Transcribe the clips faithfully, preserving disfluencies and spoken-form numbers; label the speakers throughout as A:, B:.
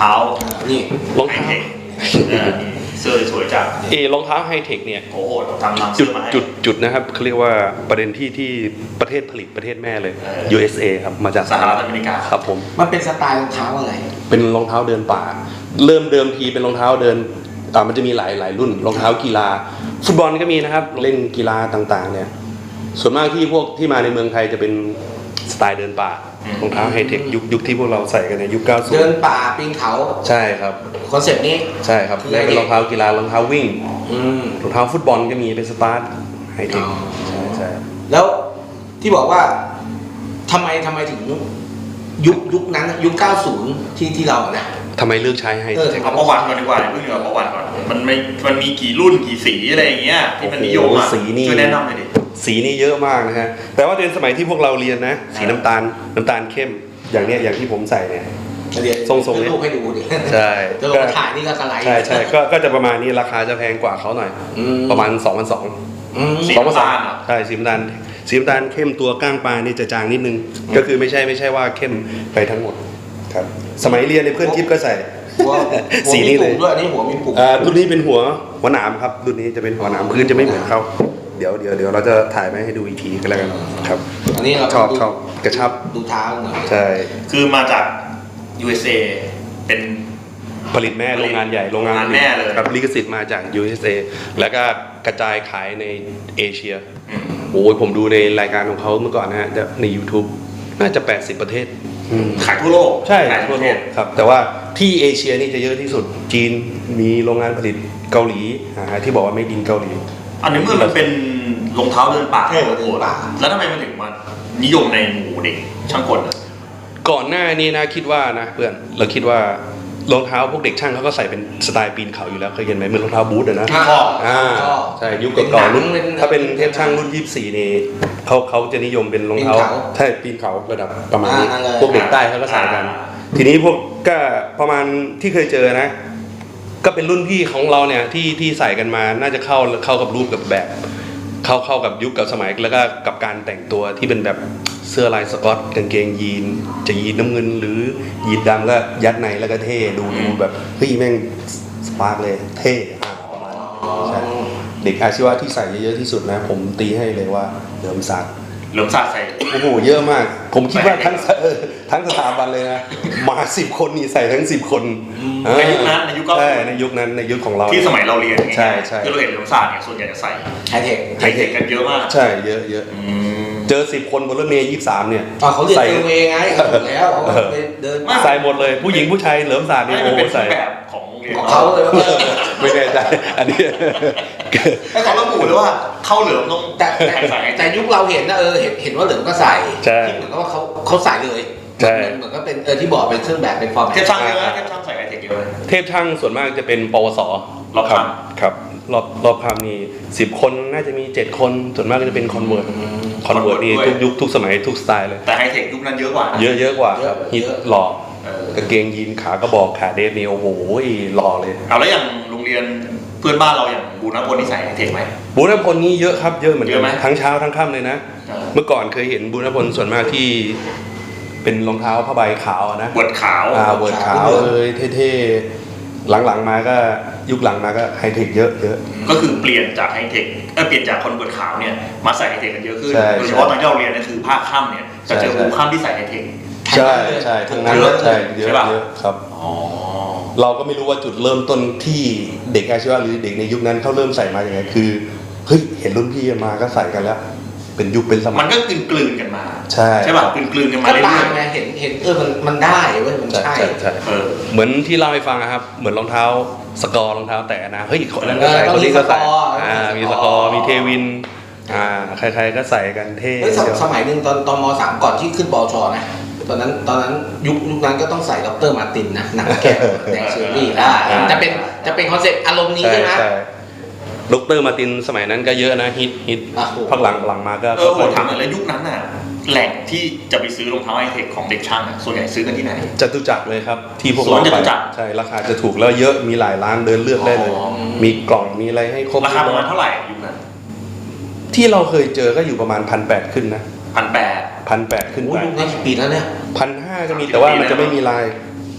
A: ท้านี่
B: รองเท้า
A: เสื้อสวยจัง
B: เอรองเท้าไฮเทคเนี่ย
A: โอ้โหทำนำ
B: จุดจุดจุดนะครับเขาเรียกว่าประเด็นที่ที่ประเทศผลิตประเทศแม่เลย ยู เอส เอ ครับมาจาก
A: สหรัฐอเมริกา
B: ครับผม
C: มันเป็นสไตล์รองเท้าอะไร
B: เป็นรองเท้าเดินป่าเริ่มเดิมทีเป็นรองเท้าเดินอ่ามันจะมีหลายหลายรุ่นรองเท้ากีฬาฟุตบอลก็มีนะครับเล่นกีฬาต่างๆเนี่ยส่วนมากที่พวกที่มาในเมืองไทยจะเป็นสไตล์เดินป่ารองเท้าไฮเทคยุคยุคที่พวกเราใส่กันในยุคเก้าสิบ
C: เดินป่าปีนเขา
B: ใช่ครับ
C: คอนเซ็ปต์นี้
B: ใช่ครับและเป็นรองเท้ากีฬารองเท้าวิ่งรองเท้าฟุตบอลก็มีเป็นสตาร์ทไฮเทคใช่ใช่
C: แล้วที่บอกว่าทำไมทำไมถึงยุคยุคนั้นยุคเก้าสิบที่ที่เราเนี่ย
B: ทำไมเลือกใช้ไฮเทค
A: เอาประวัติก่อนดีกว่าเพิ่งเดี๋ยวประวัติก่อนมันไม่มันมีกี่รุ่นกี่สีอะไรอย่างเงี้ยที่มันนิยมอ่ะช่วยแนะนำหน่อยดิ
B: สีนี่เยอะมากนะฮะแต่ว่าเป็นสมัยที่พวกเราเรียนนะสีน้ำตาลน้ำตาลเข้มอย่างเนี้ยอย่างที่ผมใส่เนี่ยทรงๆนี้
C: ให้ดูดิ
B: ใช่
C: จะลงถ่ายนี่ก็กระไร
B: ใช่ใช่ก็ก็จะประมาณนี้ราคาจะแพงกว่าเขาหน่อยประมาณ สองพันสองร้อย
A: สีน้ำตาล
B: ใช่สีน้ำตาลสีน้ำตาลเข้มตัวก้างปลานี่จะจางนิดนึงก็คือไม่ใช่ไม่ใช่ว่าเข้มไปทั้งหมดครับสมัยเรียนในเพื่อนทิพย์ก็ใส่
C: สีนี้เลยด้วยอันนี้หัวมีปุ่ม
B: อ่ารุ่นนี้เป็นหัวหัวหนามครับรุ่นนี้จะเป็นหัวหนามพื้นจะไม่เหมือนเขาเดี๋ยวเดี๋ยวเดี๋ยวเราจะถ่ายมาให้ดูอีกทีก็แล้วกันครับ
C: อันนี้เรา
B: ชอบชอบกระชับ
C: ดูเท้าหน่อย
B: ใช่
A: คือมาจาก ยู เอส เอ เป็น
B: ผลิตแม่โรงงานใหญ่โรงงาน
A: แม่เลย
B: ครับลิขสิทธิ์มาจาก ยู เอส เอ แล้วก็กระจายขายในเอเชียโอ้ยผมดูในรายการของเขาเมื่อก่อนนะฮะใน YouTube น่าจะแปดสิบประเทศ
A: ขายทั่วโลก
B: ใช่ขายทั่วโลกครับแต่ว่าที่เอเชียนี่จะเยอะที่สุดจีนมีโรงงานผลิตเกาหลีที่บอกว่าไม่ดินเกาหลี
A: อันนี้เมื่อมันเป็นรองเท้าเดินป่าเดินป่าแล้วทำไมมันถึงมานิยมในหมู่เด็กช่างกล
B: ก่อนหน้านี้นะคิดว่านะเพื่อนเราคิดว่ารองเท้าพวกเด็กช่างเขาก็ใส่เป็นสไตล์ปีนเขาอยู่แล้วเคยเห็นไหมเหมือนรองเท้าบูทอะนะอ่าใช่ยุคก่อนรุ่นถ้าเป็นเทพช่างรุ่นยี่สิบสี่นี่เขาเขาจะนิยมเป็นรองเท้าใช่ปีนเขาระดับประมาณนี้พวกเด็กใต้เขาก็ใส่กันทีนี้พวกก็ประมาณที่เคยเจอนะก็เป็นรุ่นพี่ของเราเนี่ยที่ที่ใส่กันมาน่าจะเข้าเข้ากับรูปกับแบบเข้าเข้ากับยุคกับสมัยแล้วก็กับการแต่งตัวที่เป็นแบบเสื้อลายสก๊อตกางเกงยีนจะยีนน้ำเงินหรือยีนดำก็ยัดในแล้วก็เท่ดูดูแบบเฮ้ยแม่งสปาร์กเลยเท่ประมาณใช่เด็กอาชีวะที่ใส่เยอะๆที่สุดนะผมตีให้เลยว่าเหลิมศักดิ์
A: เหลิมศักดิ์ใส่
B: โอ้โหเยอะมากผมคิดว่าทั้งทั้งสถาบันเลยนะมาสิบคนนี่ใส่ทั้งสิบคน
A: ในยุคนั้นในยุคก็
B: ใช่ในยุคนั้นในยุคของเรา
A: ที่สมัยเราเรียน
B: ใช่ใช่
A: ที่เราเห็นเหลิมศักดิ์เนี่ยส่วนใหญ่จะใส่
C: ไฮเทค
A: ไฮเทคกันเยอะมาก
B: ใช่เยอะเยอะเจอสิบคนบนรถเมย์ยี่สิบสามเนี่ย
C: เขาเรียนเซอร์เวย์ไงแล้วเดิน
B: ใส่หมดเลยผู้หญิงผู้ชายเหลิมศักดิ์เนี่ยโอ้ใส่
A: แบบของ
C: เขาเลย
B: ไม่แน่ใจอันนี้
A: แต่เขาระบุเลยว่าเข้าเหลิมต้อง
C: แต่แต่ยุคเราเห็นนะเออเห็นเห็นว่าเหลิมก็ใส่ที่เหมือนกับว่าเขาเขาใส่เลยเหมือนก็เป็นเออที่บอกเป็นเครื่องแบบเป็นฟอร์ม
A: เทพช่างเยอะเทพช่างใส่ไฮเทคเยอะ
B: เทพช่างส่วนมากจะเป็นปวส
A: รอบค
B: ำครับรอบรอบคำนี่สิบคนน่าจะมีเจ็ดคนส่วนมากก็จะเป็นคอนเวิร์ตคอนเวิร์ตนี่ทุกยุคทุกสมัยทุกสไตล์เลย
A: แต่ไฮเทคยุคนั้นเยอะกว่า
B: เยอะเยอะกว่าครับฮิตหล่อกางเกงยีนขากระบอกขาเดฟนี่โอ้โหหล่อเลย
A: เอาแล้วอย่างโรงเรียนเพื่อนบ้านเราอย่างบูรณพลนี่ใส่ไฮเทคไหม
B: บูรณพลนี่เยอะครับเยอะเหมือนกันทั้งเช้าทั้งค่ำเลยนะเมื่อก่อนเคยเห็นบูรณพลส่วนมากที่เป็นรองเท้าผ้าใบขาวนะ
A: เวิร์ดขาว
B: อ่าเวิร์ดขาวเลยเท่ๆหลังๆมาก็ยุคหลังมาก็ไฮเทคเยอะเยอะ
A: ก็คือเปลี่ยนจากไฮเทคเออเปลี่ยนจากคนเวิร์ดขาวเนี่ยมาใส่ไฮเทคกันเยอะขึ้นโดยเฉพาะตอนที่เราเรียนนี่คือภาคค่ำเนี่ยจะเจอบูค่ำที่ใส่ไฮเทค
B: ใช่ใช่ทั้งนั้นใช่เยอะเยอะครับเราก็ไม่รู้ว่าจุดเริ่มต้นที่เด็กอาชีวะหรือเด็กในยุคนั้นเขาเริ่มใส่มาอย่างไงคือเฮ้ยเห็นรุ่นพี่มาก็ใส่กันแล้วเป็นยุคเป็นสมัย
A: มันก็กลืนกลืนกันมา
B: ใช่
A: ใช่ป่ะกลืนกลืนกันมาเรื่อย
C: ๆไงเห็นเห็นเออมันมันได้เว้ยมันใช่
B: ใช่เหมือนที่เล่าให้ฟังนะครับเหมือนรองเท้าสกอร์รองเท้าแตะนะเฮ้ยคนนั้นก็ใส่คนนี้ก็ใส่อ่ามีสกอร์มีเทวินอ่าใครๆก็ใส่กันเท่
C: สมัยหนึ่งตอนตอนม.สามก่อนที่ขึ้นป.ช.นะตอนนั้นตอนนั้นยุคยุคนั้นก็ต้องใส่ด็อกเตอร์มาตินนะหนังแก้วแดงเชอรี่อ่าจะเป็นจะเป็นคอนเซ็ปต์อารมณ์นี้ใช่ไหม
B: ด็อกเตอร์มาตินสมัยนั้นก็เยอะนะฮิตฮิตพักหลังหลังมาก็
A: เออผมถามเลยยุคนั้นน่ะแหล่งที่จะไปซื้อรองเท้าไฮเทคของเด็กช่างส่วนใหญ่ซื้อกันที่ไหน
B: จตุจักรเลยครับที่พวกเราไปใช่ราคาจะถูกแล้วเยอะมีหลายร้านเดินเลือกได้เลยมีกล่องมีอะไรให้ครบ
A: ราคาประมาณเท่าไหร่ยุคนั้น
B: ที่เราเคยเจอก็อยู่ประมาณพันแปดขึ้นนะ
A: พันแปด
B: พันแปดขึ้นไป
C: ยุคนั้นกี่ปีแล้วเนี่ย
B: พันห้าก็มีแต่ว่ามันจะไม่มีลาย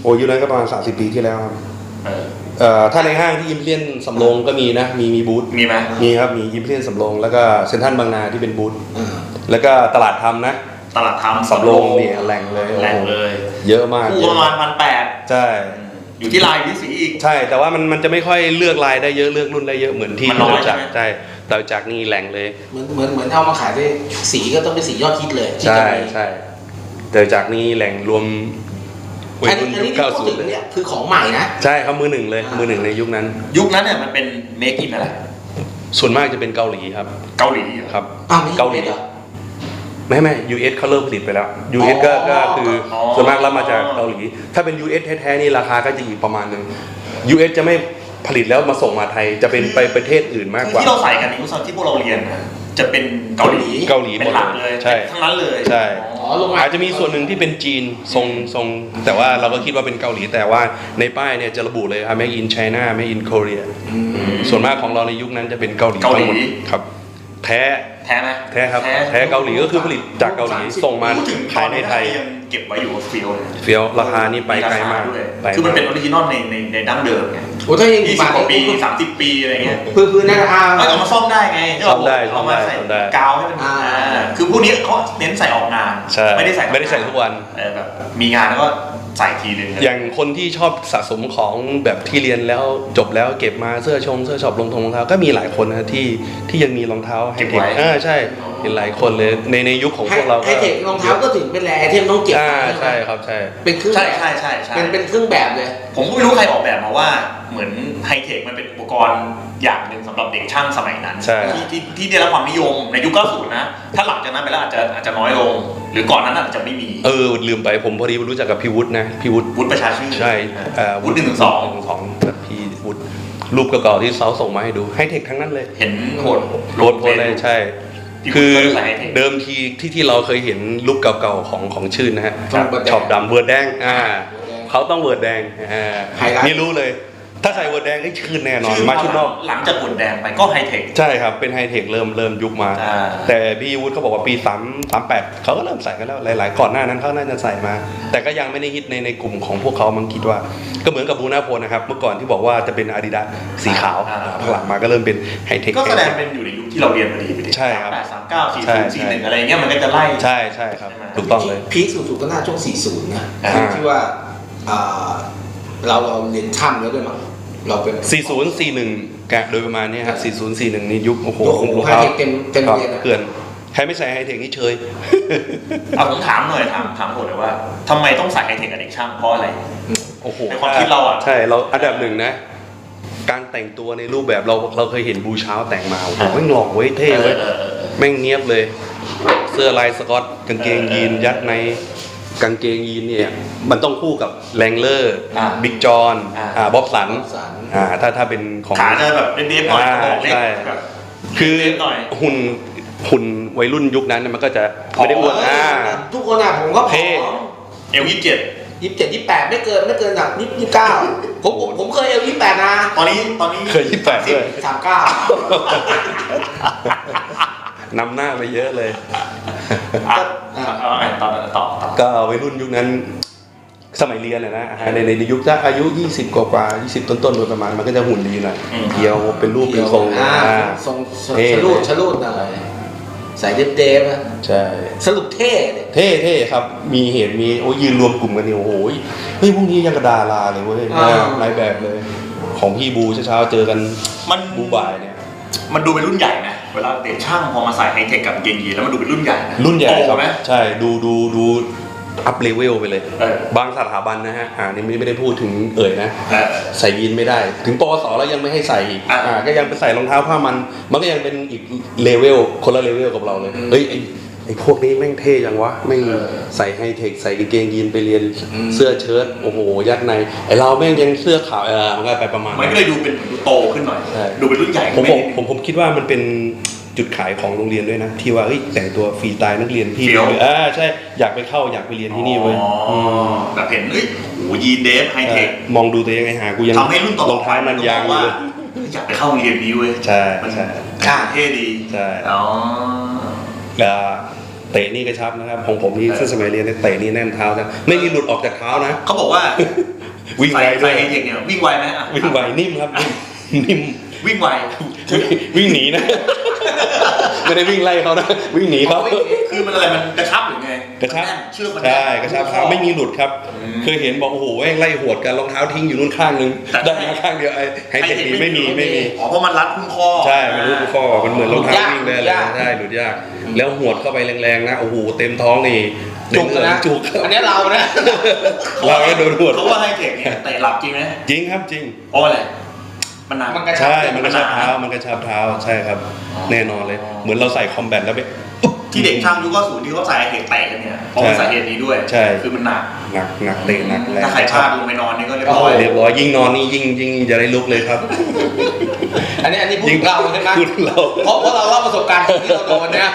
B: อ้ยุคนั้นก็ประมาณสามสิบปีที่แล้วครับ
A: เออ
B: เอ่อถ้าในห้างที่อิมเพียนสำโรงก็มีนะมีมีบูธ
A: มีไหม
B: มีครับมีอิมเพียนสำโรงแล้วก็เซ็นทรัลบางนาที่เป็นบูธ
C: อ่า
B: แล้วก็ตลาดทำนะ
A: ตลาดทำ
B: สำโรงเนี่ยแหล่งเลย
A: แหล่งเลย
B: เยอะมาก
A: คู่ประมาณพันแปด
B: ใช่
A: อยู่ที่ลายอยู่ที่สีอีก
B: ใช่แต่ว่ามันมันจะไม่ค่อยเลือกลายได้เยอะเลือกรุ่นได้เยอะเหมือนที่
A: มันน้อย
B: จาก
A: ใช่ไหม
B: ใช่แต่จากนี่แหล่งเลย
C: เหมือนเหมือนเหมือนเอามาขายได้สีก็ต้องเป็นสียอดฮิตเลยที่
B: ใช่
C: จะมี
B: ใช่แต่จากนี้แหล่งรวมวั
C: อั
B: ย
C: น
B: รุ่
C: นี้
B: น
C: อัน
B: ยุ
C: นี้
B: ค
C: ที่
B: เก้า
C: พู
B: สิ
C: ด
B: บ
C: ถึงเนี่ยคือของใหม่นะ
B: ใช่ครับมือหนึ่งเลย
C: อ่ามื
B: มือหนึ่งในยุคนั้น
A: ยุคนั้นเนี่ยมันเป็นเมคอินอะไร
B: ส่วนมากจะเป็นเกาหลีครับ
A: เกาหลีเหรอ
B: ครับ
C: อ้าวมี
B: เกาหลี
C: เหรอ
B: ไม่ไม่ ยู เอส เขาเริ่มผลิตไปแล้ว ยู เอส ก็
C: อ๋อ
B: ก็คืออ
A: อ
B: ส่วนมากรับมาจากเกาหลี ถ้าเป็น ยู เอส แท้ๆนี่ราคาก็จะอีกประมาณหนึง ยู เอส จะไม่ผลิตแล้วมาส่งมาไทยจะเป็นไปประเทศอื่นมาก
A: คื
B: ก
A: อ
B: ว่า
A: ที่เราใส่กันในยุคที่พวกเราเรียนนะจะเป็นเกาหลี
B: เกาหลี
A: เป็นหลักเลย
B: ใช่
A: ทั้งนั้นเลย
B: ใช่
C: อ๋อลงมา
B: อาจจะมีส่วนหนึ่งที่เป็นจีนทรงทรงแต่ว่าเราก็คิดว่าเป็นเกาหลีแต่ว่าในป้ายเนี่ยจะระบุเลยครับ Made in China Made in Korea
C: อืม
B: ส่วนมากของเราในยุคนั้นจะเป็นเกาหลี
A: เกาหลี
B: ทั้งมดครับ แท้
A: แท้ไหม
B: แท้ครับแท้เกาหลีก็คือผลิตจากเกาหลีส่งมา
A: พูดถึง
B: ขายในไทย
A: ยังเก็บไว้อยู่เฟียวเลย
B: เฟี้ยวราคานี่ไปไกลมาก
A: ด้วย
B: ไป
A: คือมันเป็นอ
B: มา
A: อกริจินอลในในในดั้งเดิมไง
C: โอ้ถ้ายัง
A: ยี่สิบกว่าปีสามสิบปีอะไรเงี้ย
C: พื้นพื้นนะอ่า
A: เอ้ยเอามาซ่อมได้ไง
B: ซ่อมได้
A: เอามาใส่
B: ซ่อมได้
A: กาวให้มัน
C: อ่า
A: อ่าคือพวกนี้เขาเน้นใส่ออกงาน
B: ใช่
A: ไม่ได้ใส่
B: ไม่ได้ใส่ทุกวัน
A: เออแบบมีงานแล้วก็ใส่ทีนึง
B: อย่างคนที่ชอบสะสมของแบบที่เรียนแล้วจบแล้วเก็บมาเสื้อชงเสื้อช็อปรองทงรองเท้าก็มีหลายคนนะที่ที่ยังมีรองเท้าไฮเทคอ่าใช่เห็นหลายคนเลยในในยุคของพวกเรา
C: ไฮเทครองเท้าก็ถึงเป็นแรไอเทมต้องเก็บ
B: อ่า
C: ไหม
B: ใช่ครับใช่
C: เป็นเครื่อง
A: ใช่
C: แบบ
A: ใช่ใช่ใช่
C: เป็นเป็นเครื่องแบบเลย
A: ผมก็ไม่รู้ใครออกแบบมาว่าเหมือนไฮเทคมันเป็นอุปกรณ์อย่างหนึ่งสำหรับเด็กช่างสมัยนั้น
B: ใช่
A: ที่ที่ที่ได้รับความนิยมในยุคเก้าสิบนะ ถ้าหลังจากนั้นไปแล้วอาจจะอาจจะน้อยลง หรือก่อนนั้นอาจจะไม่มี
B: เออลืมไปผมพอดีรู้จักกับพี่วุฒินะพี่วุฒิ
A: วุฒิประชาชื่น
B: ใช่เอ่อ
A: วุฒิหนึ่งถึงสอง
B: หนึ่งสองแบบพี่วุฒิรูปเก่าๆที่เขาส่งมาให้ดูไฮเทคทั้งนั้นเลย
A: เห็นโหด
B: โหลดโพสเลยใช่
A: พี่วุฒิ
B: คือ
A: ก็ใส่ High-Tech
B: เดิมทีที่ที่เราเคยเห็นรูปเก่าๆของของชื่นนะฮะ
C: ต้องเวิร์ดแดง
B: ช็อปดำเวิร์ดแดงอ่าเขาต้องเวิร์ดแดงอ่า
C: ไฮไลท์
B: นี่รู้เลย ถ้าใส่เวิร์ดแดงไอ้ชื่นแน่นอน
A: ชื่อ
B: มาชุดนอก
A: หลังจากบนแดงไปก็ไฮเทค
B: ใช่ครับเป็นไฮเทคเริ่มเริ่มยุคมา
A: อ่า
B: แต่พี่วุฒิเขาบอกว่าปีสามสามแปดเขาก็เริ่มใส่กันแล้วหลายๆก่อนหน้านั้นเขาน่าจะใส่มา แต่ก็ยังไม่ได้ฮิตในในกลุ่มของพวกเขามั้งคิดว่า ก็เหมือนกับบูน่าโพลนะครับเมื่อก่อนที่บอกว่าจะเป็นอาดิดาสสีขาวพักหลังมาก็เริ่มเป็นไฮเทค
A: ก็แสดงเป็นอยู่ในยุคที่เราเรียนพอดีไปดิ
B: ใช่ครับ
A: สามแปดสามเก้าสี่
B: ใช่
A: ศูนย์สี่หนึ่งอะไรเงี้ยมันก็จะไล่
B: ใช่ใช่ครับ
A: ใช่ไหม
B: ถูกต้องเลย
C: พีคสุดๆก็น่าช่วง สี่สิบ นะ
A: อ่า
C: ที่ว่าอ่าเราเราเรียนช่ำแล้วด้วยมั้งเราเป็น
B: สี่ศูนย์สี่หนึ่งกะโดยประมาณนี้ฮะสี่ศูนย์สี่หนึ่งนี่ยุคโอ้โห
C: โอ้โห
B: รองเท้า
C: ไฮเทคเต็มเต็ม
B: ครับ
C: เรียนอะ
B: เกลื่อนใครไม่ใส่ไฮเทคนี่เชย
A: เอาผมถามหน่อยถามถามผมเลยว่าทำไมต้องใส่ไฮเทคกับเด็กช่างเพราะอะไร
B: โอ้โห
A: ในความคิดเราอะ
B: ใช่เราอันดับหนึ่งนะ การแต่งตัวในรูปแบบเราเราเคยเห็นบูเช้าแต่งมาโอ้โหแม่งหล่อเว้ยเท่เว้ย
A: เออเออเออ
B: แม่งเนียบเลย เสื้อลายสกอตกางเกงยีนยัดในกางเกงยีนเนี่ยมันต้องคู่กับแรงเลอร์
A: อ่า
B: บิ๊กจอน
A: อ่า
B: อ่าบ๊อบสัน
C: สัน
B: อ่าถ้าถ้าเป็นของ
A: ขาจะแบบเด็กๆหน่อย
B: อ่า
A: กระบอกเล็ก
B: ใช่
A: แบบ
B: คือ
A: เล็กหน่อย
B: หุ่นหุ่นวัยรุ่นยุคนั้นเนี่ยมันก็จะไม่ได้อ้วนอ่า
C: ทุกคนอ่ะผมก็ผ
B: เท่
C: อม
A: เอลยี่สิบเจ็ด
C: ยี่สิบเจ็ดยี่สิบแปดไม่เกินไม่เกินแบบยี่สิบเก้าผมผมผมเคยเอลยี่สิบแปดนะ
A: ตอนนี้ตอนนี้
B: เคยยี่สิบแปดด้วย
C: สามเก้าน
B: ำหน้าไปเยอะเลย
A: อ่ะเอาเอาต่อต่อต่อ
B: ก็วัยรุ่นยุคนั้นสมัยเรียนอะนะอ่าในในในยุคถ้าอายุยี่สิบกว่ากว่ายี่สิบต้นๆโดยประมาณมันก็จะหุ่นดีหน่อยเพียวเป็นรูปเป็นทรง
C: อ่า
B: อ่า
C: ทรงทรง
B: เท่
C: ชะลูดชะลูดหน่อยใส่เดฟเดฟๆนะ
B: ใช่
C: สรุปเท่เลย
B: เท่เท่ครับ มีเหตุมีโอ้ยยืนรวมกลุ่มกันเนี่ยโอ้โหเฮ้ยพวกนี้ยังกระดาราเลยเว้ยนายแบบเลย ของพี่บูเช้าๆเจอกัน
A: มัน
B: บูบ่ายเนี่ย
A: มันดูเป็นรุ่นใหญ่นะเวลาเด็กช่างพอมาใส่ไฮเทคกับกางเกงยีนแล้วมันดูเป็นรุ่นใหญ่นะ
B: รุ่นใหญ่ค
A: โต
B: รับ
A: ไหม
B: ใช่ดูดูดูอัพเลเวลไปเลย
A: เออบ
B: างสถาบันนะฮะอ่านี่ไม่ได้พูดถึงเอ่ยนะ
A: เออ
B: ใส่ยีนไม่ได้ ถึงปวสแล้วยังไม่ให้ใส่อีก
A: อ่า
B: อ่าก็ยังไปใส่รองเท้าผ้ามัน มันก็ยังเป็นอีกเลเวลคนละเลเวลกับเราเลยเฮ้ยไอ้ไอ้พวกนี้แม่งเท่จังวะแม่งใส่ไฮเทคใส่กางเกงยีนไปเรียนเสื้อเชิ้ตโอ้โหยัดในไอ้เราแม่งยังเสื้อขาวเออมันก็ไปประมาณ
A: มันก็เลยดูเป็นเหมือนดูโตขึ้นหน่อย
B: ใช่
A: ดูเป็นรุ่นใหญ่
B: ผม
A: ขึ้น
B: ผมผมผมคิดว่ามันเป็นจุดขายของโรงเรียนด้วยนะ ที่ว่าเฮ้ยแต่งตัวฟรีสไตล์นักเรียนพี่เลยอ่าใช่อยากไปเข้าอยากไปเรียนที่นี่เว้ย
A: อ๋อแบบเห็นเอ้ยโอ้ยีนเดฟไฮเทค
B: มองดูตัวเองไอ้หากูยัง
A: ทำให้รุ่นต่
B: ร
A: อ
B: อง
A: ๆไป
B: เท้านันยางอยู่
A: ว่า
B: เลย
A: อยากไปเข้าโรงเรียนนี้เว้ย
B: ใช่
A: มัน
B: ใช่
C: อ่า
A: เท่ดี
B: ใช่
A: อ๋อ
B: อ่าเตะนี่กระชับนะครับของผมนี่
A: เออ
B: ซึ่งสมัยเรียนเนี่ยเตะนี่แน่นเท้านะไม่มีหลุดออกจากเท้านะ
A: เขาบอกว่า
B: วิ่งไวด้
A: ใส่
B: วย
A: ไฮเทคเนี่ยวิ่งไวไหมอ่ะ
B: วิ่งไวนิ่มครับนิ่ม
A: วิ่งไว
B: วิ่งหนีนะ ไม่ได้วิ่งไล่เขานะวิ่งหนีเขา
A: คือมันอะไรมันกระชับหรือไง
B: กระชับ
A: มันแน่นเชือกมัน
B: ใช่
A: แน่น
B: กระชับเท้าไม่มีหลุดครับ เคยเห็นบอกโอ้โหแม่งไล่หวดกันรองเท้าทิ้งอยู่นู่นข้างนึงได้มาข้างเดียวไอ้ไฮเทคนี้ไม่มีไม่มี
A: อ๋อเพราะมันรัดคุ้มข้อ
B: ใช่มันรู้ข้อมันเหมือนรองเท้าวิ่งเลยเลยใช่หลุดยาก แล้วหวดเข้าไปแรงๆนะโอ้โหเต็มท้องนี่
C: จุกนะ
B: จุก
C: อันนี้เรานะ
B: เราไม่โดนหวด
A: เขาว่าไฮเทคเนี่ยเตะหลับจริงไหม
B: จริงครับจริง
A: เพราะอะไรมันหนัก
C: มันกระชับ
B: ใช่มันกระชับเท้ามันกระชับเท้าใช่ครับ แน่นอนเลย เหมือนเราใส่คอมแบทแล้วไป
A: ที่เด็กช่างยุคเก้าสิบที่เขาใส่ไฮเทคแตะกันเนี่ยเพราะมันสาเหตุนี้ด้วย
B: ใช่
A: คือมันหนัก
B: หนักหนักเตะหนักแรง
A: ถ้าใครพลาดลงไปนอนนี่ก็เรียบร้อย
B: เรียบร้อยยิ่งนอนนี่ยิ่งยิ่งจะได้ลุกเลยครับ
C: อันนี้อันนี้พูดถึงเราใช่ไหม
B: พูดเรา
C: เพราะเพราะเราเล่าประสบการณ์ที่เราโดนเนี่ย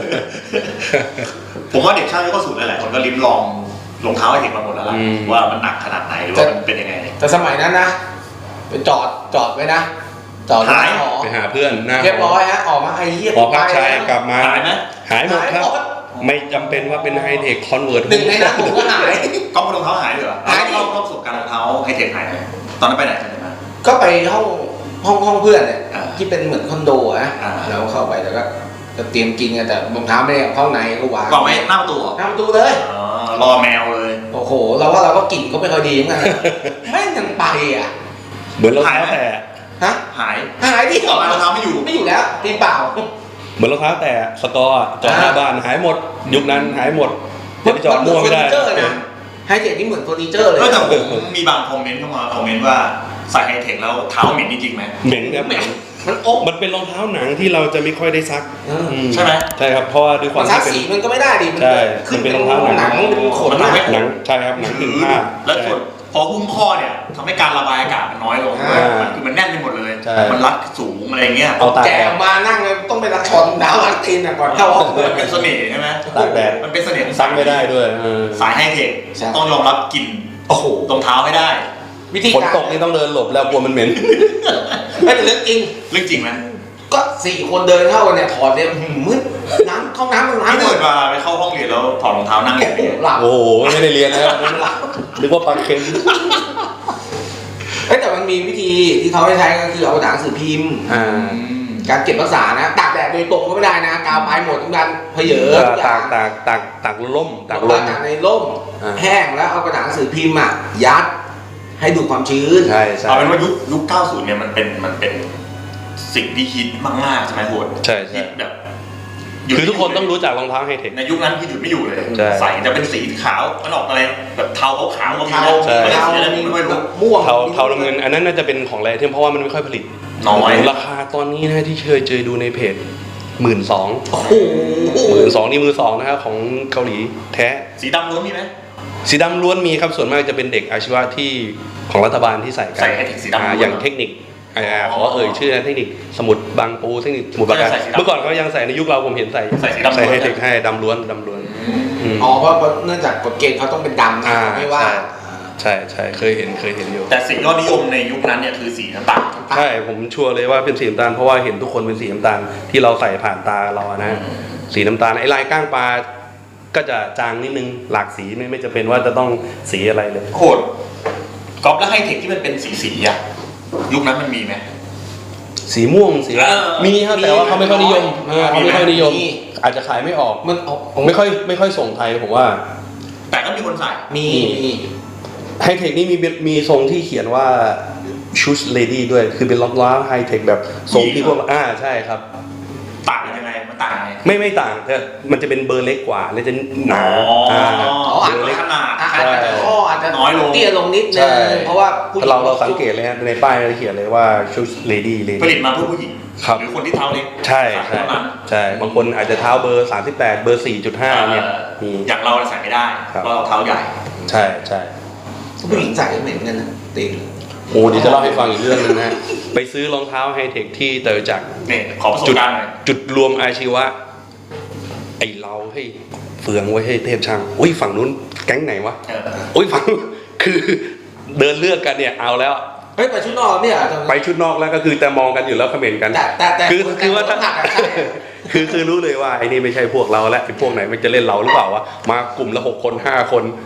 A: ผมว่าเด็กช่างยุคเก้าสิบหลายๆคนก็ลิ้มลองรองเท้าไฮเทคมาหมดแล้วล่ะว่ามันหนักขนาดไหนหรือว่ามันเป็นยังไง
C: แต่สมัยนั้นนะไปจอดจอดไว้นะจอด
A: หาย
C: หอ
B: ไปหาเพื่อนหน้า
C: เรียบร้อยฮะออกมาไอ้เหี้ย
B: หอพักชายกลับมา
A: หายไหม
B: หายหมดครับ ไม่จำเป็นว่าเป็นไฮเทคคอนเวิร์ต
C: หนึ่งในนั้นผมก็หาย
A: ก็รองเท้าหายเลยเหรอ
C: หายดิ
A: เล่าเล่าประสบการณ์รองเท้าไฮเทคหายไหมตอนนั้นไปไหนกันมา
C: ก็ไปห้องห้องห้องเพื่อนเนี่ย
A: อ่า
C: ที่เป็นเหมือนคอนโดอะ
A: อ่า
C: แล้วเข้าไปแล้วก็จะเตรียมกินกันแต่รองเท้าไม่ได้เอาเข้าในก็วาง
A: ก็ไม่หน้าประตูเหรอ
C: หน้าประตูเลย
A: อ๋อรอแมวเลย
C: โอ้โหเราว่าเราก็กลิ่นก็ไม่ค่อยดีเหมือนกันนะแม่งยังไปอ่ะ
B: เหมือนรองเท้าแต่
C: ฮะ
A: หาย
C: หายดิ
A: ออกมารองเท้าไม่อยู่
C: ไม่อยู่แล้วตีนเปล่า
B: เหมือนรองเท้าแต่สกอร์อะจอดหน้าบ้านหายหมด ยุคนั้นหายหมดจะไปจอดมั่วไม่ได้
C: เฟอร์นิเจอร์นะไฮเทคนี่เหมือนเฟอร์นิเจอร์เลย
A: ก็แต่ผมมีบางคอมเมนต์เข้ามาคอมเมนต์ว่าใส่ไฮเทคแล้วเท้าเหม็นจริงๆไหม
B: เหม็นครับ
C: แม่งมันอก
B: มันเป็นรองเท้าหนังที่เราจะไม่ค่อยได้ซัก
C: เอออื
B: ม
A: ใช่ไหม
B: ใช่ครับเพราะว่าด้วยควา
C: มั
B: ม
C: นซัก
B: ที่เป็น
C: สีมันก็ไม่ได้ดิ
B: ใช่
C: ขึ้น
B: มันเป็
C: เป็น น
B: รองเท้าหนัง
C: หนังเป็นขน
A: มันทำให้
B: หนังใช่ครับหนังถึงผ้า
A: แล้วส่วนพอหุ้มข้อเนี่ยทำให้การระบายอากาศมันน้อยลง
B: อ่ามั
A: มันคือมันแน่นไปหมดเลย
B: ใช่
A: มันรัดสูงอะไรเงี้ย
B: เอาตาก
C: แก
B: แด
C: อ
B: ด
C: อกมานั่งเลยต้องไปรักชอนดาวรักตีนอ่ะก่อนเข้าห้องเลย
A: มันเป็นเสน่ห์ใช่ไหม
B: ตากแดด
A: มันเป็นเสน่ห์ของ
B: ซักไม่ได้ด้วยเออ
A: สายไฮเทค
C: ใช่
A: ต้องยอมรับกลิ่น
C: โอ้โห
A: รองเท้าให้ได้
C: วิธี
B: ฝน
C: การ
B: ตกนี่ต้องเดินหลบแล้วกลัวมันเหม็น
C: ไม่เป็นเรื่องจริง
A: เรื่องจริงไหม
C: ก็สี่คนเดินเข้ากันเนี่ยถอดเนี่ยหืมมืดน้ำเข้าน้ำมัน
A: ที่
C: น้ำหม
A: เกิ
C: ด
A: ดมาไปเข้าห้องเรียนแล้วถอดรองเท้านั่งอย่างนี้
C: หลับ
B: โอ้โหไม่ได้เรียนนะครับนึกว่าปลาเค็ม
C: เอ้ยแต่มันมีวิธีที่เขาให้ใช้ก็คือเอาหนังสือพิมพ์
B: อ่า
C: การเก็บรักษานะตากแดดโดยตรงก็ไม่ได้นะกาวไปหมดทุกการเพเยอะทุกอย่า
B: ตาง กตากตากตากล่มตากล
C: ตาม กจากในร่ม
B: อ่า
C: แห้งแล้วเอากระดาษหนังสือพิมพ์อ่ะยัดให้ดูดความชื้น
B: ใช่ใช่
A: เอาเป็นว่ายุคยุคเก้าสิบเนี่ยมันเป็นมันเป็นสิ่งที่ฮิตมากๆใช่ไหมโหด
B: ใช่ใช่
A: ฮิตแบบ
B: คือทุกคนต้องรู้จักรองเท้าไฮเทค
A: ในยุคนั้นคือหยุดไม่อยู่เลย
B: ใช่
A: ใส่จะเป็นสีขาวมันออกอะไรแบบเทาขาวๆก็มี
C: เทา
A: นะ
B: ใช่
A: ไม่ได้
C: เทา
A: สีอะไร
C: มี
A: ไม่รู้
C: ม่วง
B: เทาเทาน้ำเงินอันนั้นน่าจะเป็นของแรเทียมเพราะว่ามันไม่ค่อยผลิต
A: น้อย
B: ราคาตอนนี้นะที่เคยเจอดูในเพจหมื่นสอง
C: โอ้โห
B: หมื่นสองนี่มือสองนะครับของเกาหลีแท้
A: สีดำล้วนมีไหม
B: สีดำล้วนมีครับส่วนมากจะเป็นเด็กอาชีวะที่ของรัฐบาลที่ใส่กัน
A: ใส่ไฮเทคสีดำล้วน
B: อ่าอย่างเทคนิคอ่าขอเอ่ยชื่อนะเทคนิคสมุดบางปูเทคนิคสมุดปราการ
A: ก็ยังใส่สีดำ
B: เมื่อก่อนเขายังใส่ในยุคเราผมเห็นใส่
A: ใส่สีดำล้วน
B: ไฮเทคให้ดำล้วนดำล้วนอืม
C: อ๋อเพราะเนื่องจากกฎเกณฑ์เขาต้องเป็นดำนะ
B: อ่า
C: ไม่ว่า
B: ใช่ ใช่ใช่เคยเห็นเคยเห็นอยู่
A: แต่สียอดนิยมในยุคนั้นเนี่ยคือสีน้ำตาล
B: ใช่ผมชัวร์เลยว่าเป็นสีน้ำตาลเพราะว่าเห็นทุกคนเป็นสีน้ำตาลที่เราใส่ผ่านตาเราอะนะ
A: อืม
B: สีน้ำตาลไอ้ลายก้างปลาก็จะจางนิดนึงหลากสีไม่ไม่จะเป็นว่าจะต้องสีอะไรเลย
A: โหดก๊อปแล้วไฮเทคที่มันเป็นสีสีๆอะยุคนั้นมันมีไหม
B: สีม่วงสี
A: เออ
B: มีครับแต่ว่าเขาไม่ค่อยนิยมเออเขาไม่ค่อยนิยม
C: มี
B: อาจจะขายไม่ออก
C: มันเอา
B: ไม่ค่อยไม่ค่อยส่งไทยผมว่า
A: แต่ก็มีคนใส่
C: มีมี
B: ไฮเทคนี่มีมีทรงที่เขียนว่าชุชเลดี้ด้วยคือเป็นรองเท้าไฮเทคแบบทรงที่พวกอ่าใช่ครับ
A: ต่างกันยังไงมันต่างยังไง
B: ไม่ไม่ต่างแต่มันจะเป็นเบอร์เล็กกว่าและจะหนา
A: อ๋ออ่
B: า
A: อ๋ออาจจะขนาด
C: อาจจะข้ออาจจะ
A: น้อยลง
C: เตี้ยลงนิดนึ
B: ใช่
C: งเพราะว่าผู้หญิง
B: เราเราสังเกตเลยฮะในป้ายเราเขียนเลยว่าชุชเลดี้เล
A: ผลิ
B: ดี้
A: ตมาเพื่อผู้หญิง
B: ครับ
A: หรือคนที่เท้าเล็ก
B: ใช่
A: ใส่
B: ใช่
A: เท่านั้น
B: ใช่บางคนอาจจะเท้าเบอร์สามสิบแปดเบอร์สี่จุดห้าเนี่ย
A: เออ
B: มี
A: อย่างเราใส่ไม่ได้
B: ครับ
A: เพราะเราเท้าใหญ่
B: ใช่ใช่
C: ผู้หญิงใส่ก็เหม็นกันนะตีน
B: โอ้เดี๋ยวจะเล่าให้ฟังอีกเรื่องหนึงนะไปซื้อรองเท้าไฮเทคที่เตอร์จักร
A: เนี่ยขอประสบ
B: จุด
A: การณ์หน่อย
B: จุดรวมอาชีวะไอเราให้ยเฟืองไว้ให้เทพช่างอุ้ยฝั่งนู้นแก๊งไหนวะ
A: เออ
B: อุ้ยฝั่งคือเดินเลือกกันเนี่ยเอาแล้ว
C: เฮ้ยไปชุดนอกเนี่ย
B: ไปชุดนอกแล้วก็คือแต่มองกันอยู่แล้วเขม่นกัน
C: แต่แต่แต่
B: คือคือว่า
C: แต่
B: ถ้า
C: หักอะใช่
B: คือคือรู้เลยว่าไอ้นี่ไม่ใช่พวกเราแล้วไอ้พวกไหนมันจะเล่นเราหรือเปล่าวะมากลุ่มละหกคนห้าคน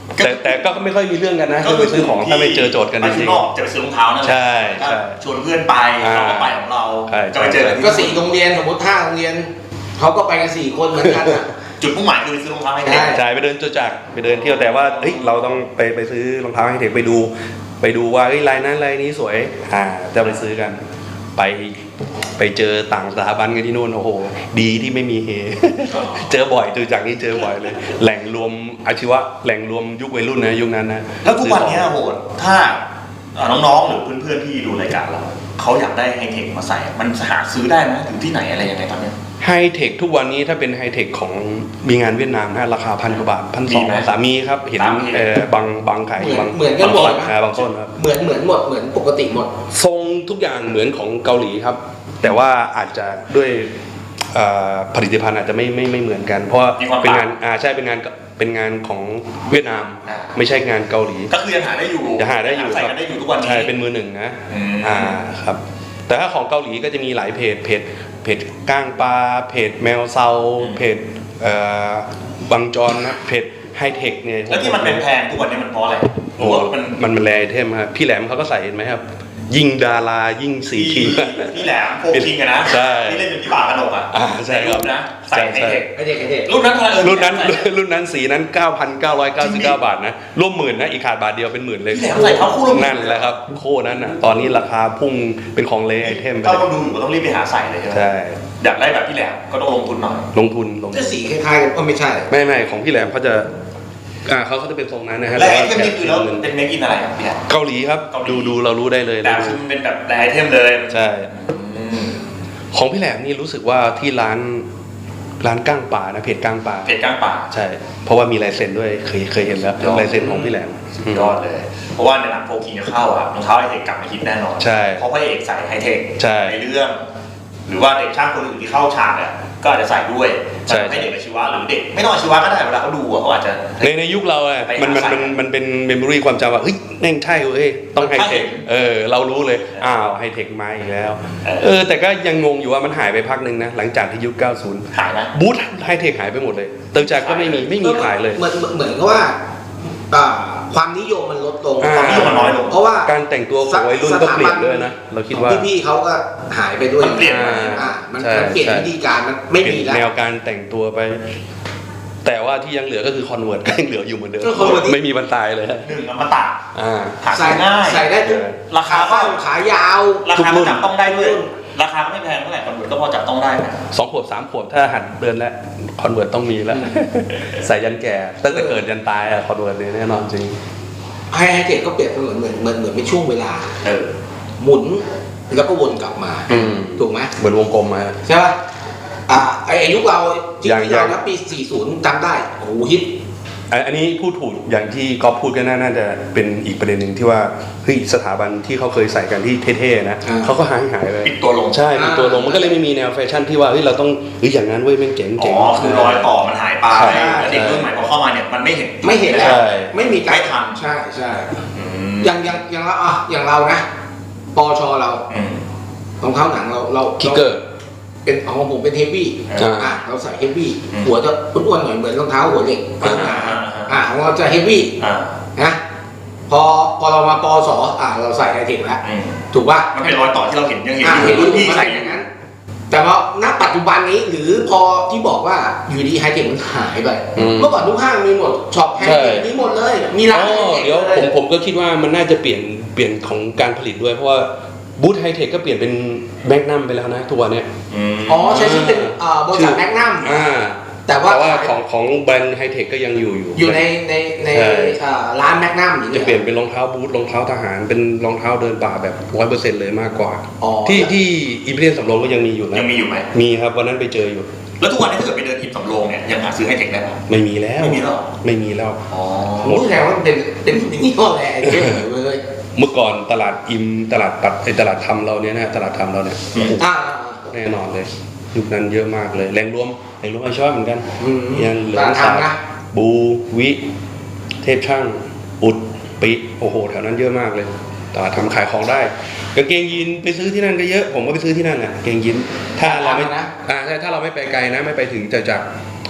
B: แต่แต่ก็ไม่ค่อยมีเรื่องกันนะคือไปซื้อของถ้าไม่เจอโจทย์กัน
A: ไป
B: จ
A: ข้า
B: ริ
A: ง
B: ง
A: นอกจะไปซื้อรองเท้านั่นแหละ
B: ใช่ใช่
A: ชวนเพื่อนไปเขาก็ไปของเรา
B: ใช่
A: จะไปเจอกันที่
C: ก็สี่โรงเรียนสมมติห้าโรงเรียนเขาก็ไปกันสี่คนเหมือนกันอะ
A: จุดมุ่งหมายคือไปซื้อรองเท้าให้เด็ก
C: ใช่
B: ใช่ไปเดินจตุจักรไปเดินเที่ยวแต่ว่าเฮ้ยเราต้องไปไปซื้อรองเท้าให้เด็กไปดู ไปดูว่าเฮ้ยลายนั้นลายนี้สวยอ่าจะไปซื้อกันไปไปเจอต่างสถาบันกันที่นู่นโอ้โหดีที่ไม่มีเฮ เจอบ่อยจตุจักรนี่เจอบ่อยเลย แหล่งรวมอาชีวะแหล่งรวมยุควัยรุ่นนะยุคนั้นนะ
A: แล้วทุกวันเนี้ยโหดถ้าเอ่อน้องๆหรือเพื่อนๆที่ดูรายการเราเขาอยากได้ไฮเทคมาใส่ มันหาซื้อได้ไหมถึงที่ไหนอะไรยังไงตอนเนี้ย
B: ไฮเทคทุกวันนี้ถ้าเป็นไฮเทคของมีงานเวียดนามนะราคาพันกว่าบาทพันส
A: มี
B: อง
A: ไหม
B: สามีครับเห็น
A: ตามที่
B: เออบางบางขาย
C: เหมือน
B: บาง
C: เหมือนกันหมด
B: บาง
C: นะ
B: อ่าบางต้นครับ
C: เหมือนเหมือนหมดเหมือนปกติหมด
B: ทรงทุกอย่างเหมือนของเกาหลีครับ แต่ว่าอาจจะด้วยเอ่อผลิตภัณฑ์อาจจะไม่ไม่ไม่เหมือนกัน เพราะว่า
A: มีความ
B: เป็นงาน
A: ต่าง
B: อ่าใช่เป็นงานเป็นงานของเวียดนาม
A: อ่า
B: ไม่ใช่งานเกาหลี
A: ก็คือยังหาได้อยู่
B: จะหาได้อยู่
A: ใส่
B: ค
A: กั
B: รับ
A: นได้อยู่ทุกวันนี้
B: ใช่เป็นมือหนึ่งนะ
A: อืม
B: อ่าครับแต่ถ้าของเกาหลีก็จะมีหลายเพจเพจเพจก้างปลาเพจแมวเซาเพจเอ่อบังจรนะเพจไฮเทคเนี่ย
A: แล้วที่มันเป็นแพงทุกวันนี้มันเพราะอะไร
B: โอ้
A: เพราะว่ามัน
B: มันมันแรไอเทมครับพี่แหลมเขาก็ใส่เห็นไหมครับ ยิ่งดารายิ่งสีคิง
A: พี่แหลมโฟกิงอะนะ
B: ใช่
A: ที่เล่นเป็นพี่บ่าวกระดกอะ
B: อ่าใช่ครับ
A: นนะใส่ไฮ
B: ใช่
A: เทค
C: ไอเด็กไอเด็ก
A: รุ่นนั้นเท่าไหร่เออ
B: รุ่นนั้น
A: ใส่
B: รุ่นนั้นสีนั้น เก้าพันเก้าร้อยเก้าสิบเก้า บาทนะร่วมหมื่นนะอีกขาดบาทเดียวเป็นหมื่นเลย
A: พี่แหลมใส่เท้าคู่ละหมื่น
B: นั่นแหละครับโคนั้นน่ะตอนนี้ราคาพุ่งเป็นของเลไอเทมไป
A: ถ้า
B: เล
A: คน
B: ย
A: ดูอยู่ก็ต้องรีบไปหาใส่เลยใช่ไหม
B: ใช่
A: อยากได้แบบพี่แหลมก็ต้องลงทุนหน่อย
B: ลงทุนลงทุ
C: จะ
B: น
C: สีคล้ายๆกันก็ไม่ใช่
B: ไม่ไม่ของพี่แหลมเขาจะอ่าเขาเขาจะเป็นทรงนั้นนะฮะ
A: และไอ
B: ว่า
A: เทมนี่คือแล้วเป็นเมคอินอะไรครับพี่แหลม
B: เกาหลีครับ
A: เกาหลี
B: ดูดูเรารู้ได้เลย
A: แต่คือมันเป็นแบบแบรนด์ไอเทมเลย
B: ใช่
A: อืม
B: ของพี่แหลมนี่รู้สึกว่าที่ร้านร้านก้างป่านะเพจก้างป่า
A: เพจกลางป่า
B: ใช่ เพราะว่ามีลายเซ็นด้วยเคยเคยเห็นแล้ว
A: ยอด
B: ลายเซ็นของพี่แหลม
A: สุดยอดเลย เพราะว่าในหนังโฟกิงจะเข้าอะรองเท้าไฮเทคกลับมาฮิตแน่นอน
B: ใช่
A: เพราะพระเอกใส่ไฮเทค
B: ใช่
A: ในเรื่อง หรือว่าเด็กช่างคนอื่นที่เข้าฉากอะก็อาจจะใส่ด้วย
B: ใช่
A: ให้เด็กอาชีวะหรือเด็กไม่ต้องอาชีวะก็ได้เวลาเขาดูอะเขาอาจจะ
B: ในในยุคเราอะ
A: ไปหา
B: มันมัน
A: ใส่
B: มันมันเป็นเมมโมรีความจำว่าเฮ้ยแม่งใช่เว้ยต้องไฮเทค
A: ใช่
B: เออเรารู้เลยอ้าวไฮเทคมาอีกแล้ว
A: เออ
B: เออแต่ก็ยังงงอยู่ว่ามันหายไปพักหนึ่งนะหลังจากที่ยุคเก้าสิบ
A: หายไหม
B: บูธไฮเทคหายไปหมดเลยเติมจากก็ไม่มีไม่มีขายเลย
C: เหมือนเหมือนเหมือนกับว่าอ่าความนิยมมันลดลง
B: อ่า
A: ความนิยมมันน้อยลง
C: เพราะว่า
B: การแต่งตัวของวัยรุ่นก็เปลี่ยนด้วยนะเราคิดว่า
C: พี่ๆเขาก็หายไปด้วย
A: มันเปลี่ยน
C: อ่ามัน
B: ใช่
C: มันเปลี่ยน
B: ใช่
C: วิธีการมันไม่
B: เปลี่
C: มี
B: ยน
C: แล้ว
B: แนวการแต่งตัวไป แต่ว่าที่ยังเหลือก็คือคอนเวิร์ตก็ยังเหลืออยู่เหมือนเดิม
C: ก็ Convert ที่
B: ไม่มีบรรทายเลยฮะ
A: หนึ่งอมตะ
B: อ่า
A: หา
C: ใส่
A: ซื้อง่าย
C: ใส่ได้ทุก
A: ราคา
C: ขาสั้นขายาว
A: รา
B: ทุก
A: คา
B: รุ่
A: ก็
B: น
A: จับต้องได้ด้วย ราคาก็ไม่แพงเท่าไหร่คอนเวิร์ตก็พอจับต้องได้นะ
B: สองขวบสามขวบถ้าหัดเดินแล้วคอนเวิร์ตต้องมีแล้ว ใส่ยันแก่ตั้งแต่เกิดยันตายอะคอนเวิร์ตเนี่ยแน่นอนจริง
C: ไฮเทคก็เปรียบเสมือนเหมือนเหมือนเหมือนเป็นช่วงเวลา
A: เออ
C: หมุนแล้วก็วนกลับมา
B: อืม
C: ถูกไหม
B: เหมือนวงกลมมา
C: ใช่ป่ะอ่าไออายุเราที่
B: อย่าง
C: ที่เรา
B: อย่าง
C: นับปีสี่สิบจำได้โอ้โหฮิต
B: อันอันนี้พูดถูกอย่างที่ก๊อฟพูดก็น่าน่าจะเป็นอีกประเด็นหนึ่งที่ว่าเฮ้ยสถาบันที่เขาเคยใส่กันที่เท่ๆนะ
C: อ่า
B: เขาก็หายหายไป
A: ปิดตัวลง
B: ใช่ปิดตัวลงมันก็เลยไม่มีแนวแฟชั่นที่ว่าเฮ้ยเราต้องเฮ้ยอย่างนั้นเว้ยแม่งเจ๋ง
A: อ๋
B: เจ๋ง
A: อคือรอยต่อมันหายไป
B: ใช่
A: แล้วเด็กรุ่นใหม่พอเข้ามาเนี่ยมันไม่เห็น
C: ไม่เห็นแล้ว
B: ใช่
C: ไม่มีการ
A: ไม่ทัน
C: ใช่ใช่
A: อืม
C: อย่างอย่างอย่างเราอ่ะอย่างเรานะปอชเรา
A: อืม
C: รองเท้าหนังเราเรา
B: คิกเกอร์
C: เป็นของผมเป็นเฮฟวี่
B: อ่า
C: อ่ะเราใส่เฮฟวี่
A: อืม
C: หัวจะอ้วนๆหน่อยเหมือนรองเท้าหัวเหล็ก
B: อ่า
C: อ่าอ่าของเราจะเฮฟวี่
A: อ่า
C: นะพอพอเรามาปอสอ่าเราใส่ไฮเทคแล้ว
A: อืม
C: ถูกป่ะ
A: มันเป็นรอยต่อที่เราเห็นยังเห็น
C: อ่า
A: อ
C: เห็น
A: ยู่
C: รุ่
A: รุ่
C: น
A: น
C: พี่
A: พี่
C: ใส่
A: ใส่
C: อย่างนั้น แต่พอณปัจจุบันนี้หรือพอที่บอกว่าอยู่ดีไฮเทคมันหายไป
B: อืม
C: เมื่อก่อนทุกห้างมีหมดช็อปไฮ
B: ใช่
C: เทคมีหมดเลย มีร้าน
B: อ๋อ
C: ไฮเทค
B: เดี๋ยว
C: เล
B: ผมผมก็คิดว่ามันน่าจะเปลี่ยนเปลี่ยนของการผลิตด้วยเพราะว่าบูธไฮเทคก็เปลี่ยนเป็นแมกนัมไปแล้วนะทุกวันเนี้ย
A: อืม
C: อ๋อใช้ชื่อเป็นเอ่อบริษัทแมกนัม
B: อ่า
C: แต่ว่า
B: แต่ว่าของของแบรนด์ไฮเทคก็ยังอยู่อยู่
C: อยู่ในในใน
B: ใช่
C: เอ่อร้านแมกนัมอย่าง
B: จะ
C: เงี้ย
B: เปลี่ยนเป็นรองเท้าบูทรองเท้าทหารเป็นรองเท้าเดินป่าแบบร้อยเปอร์เซ็นต์เลยมากกว่า
C: อ๋อ
B: ที่ที่อิมพีเรียลสำโรงก็ยังมีอยู่นะ
A: ยังมีอยู่ไหม
B: มีครับวันนั้นไปเจออยู่
A: แล้วทุกวันนี้ถ้าเกิดไปเดินอิมสำโรงเนี่ยยังหาซื้อไฮเทคได้ไหม
B: ไม่มีแล้ว
A: ไม่มีแล้วเหรอ
B: ไม่มีแล้ว
A: อ๋อ
C: ผมรู้แล้ว่ามันเป็นเป็นนี่ห้อแหละไอ้เรื่องเลย
B: เมื่อก่อนตลาดอิมตลาดปัดไอตลาดทำเราเนี่ยนะตลาดทำเราเนี่ย
A: อืม
C: อ่า
B: แน่นอนเลยยุคนั้นเยอะมากเลยแรงรวมแรงรวมไอชอบเหมือนกัน
C: อืม
B: ยันเหลื
C: ต
B: อง
C: ลาด
B: สา
C: ทำนะ
B: บูวิเทพช่างอุดปิโอ้โหแถวนั้นเยอะมากเลยตลาดทำขายของได้กางเกงยีนไปซื้อที่นั่นก็เยอะผมก็ไปซื้อที่นั่นอ่ะกางเกงยีนถ้าเราไม่
C: ตลาดทำนะ
B: อ่าใช่ถ้าเราไม่ไปไกลนะไม่ไปถึงจะจาก